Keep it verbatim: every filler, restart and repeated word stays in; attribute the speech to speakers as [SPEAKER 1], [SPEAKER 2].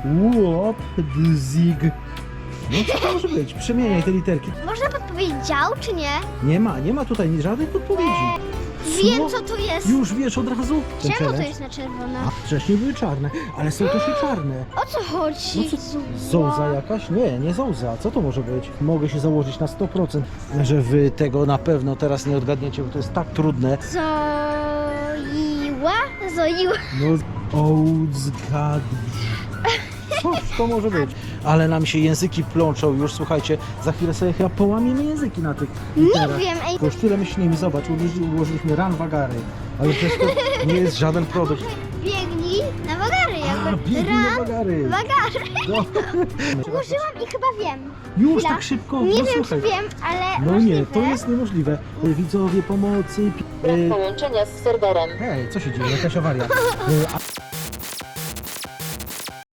[SPEAKER 1] Łopdzig. No co to może być? Przemieniaj te literki.
[SPEAKER 2] Można podpowiedzieć dział, czy nie?
[SPEAKER 1] Nie ma, nie ma tutaj żadnych podpowiedzi.
[SPEAKER 2] Wiem, co to jest.
[SPEAKER 1] Już wiesz od razu? Ten
[SPEAKER 2] Czemu to
[SPEAKER 1] challenge?
[SPEAKER 2] jest na czerwono?
[SPEAKER 1] A wcześniej były czarne, ale są też i czarne.
[SPEAKER 2] O co chodzi?
[SPEAKER 1] No co, zołza jakaś? Nie, nie zołza. Co to może być? Mogę się założyć na sto procent, że wy tego na pewno teraz nie odgadniecie, bo to jest tak trudne.
[SPEAKER 2] Zoiła? Zoiła.
[SPEAKER 1] No, ołzgad. Cóż to może być? Ale nam się języki plączą już, słuchajcie, za chwilę sobie chyba połamiemy języki na tych literach.
[SPEAKER 2] wiem, ej.
[SPEAKER 1] Kosztyle myślimy, zobacz, ułożyliśmy, ułożyliśmy ran wagary, ale przecież to nie jest żaden produkt.
[SPEAKER 2] Biegnij na wagary
[SPEAKER 1] A,
[SPEAKER 2] jakby.
[SPEAKER 1] biegnij na
[SPEAKER 2] Ran,
[SPEAKER 1] wagary.
[SPEAKER 2] wagary.
[SPEAKER 1] No.
[SPEAKER 2] Użyłam i chyba wiem.
[SPEAKER 1] Już
[SPEAKER 2] Chwila.
[SPEAKER 1] tak szybko?
[SPEAKER 2] Nie
[SPEAKER 1] No
[SPEAKER 2] wiem,
[SPEAKER 1] słuchaj.
[SPEAKER 2] czy wiem, ale
[SPEAKER 1] No
[SPEAKER 2] możliwe.
[SPEAKER 1] nie, to jest niemożliwe. Widzowie pomocy. pi-
[SPEAKER 3] Brak
[SPEAKER 1] e,
[SPEAKER 3] połączenia z serwerem.
[SPEAKER 1] Hej, co się dzieje? Jakaś awaria. E, a-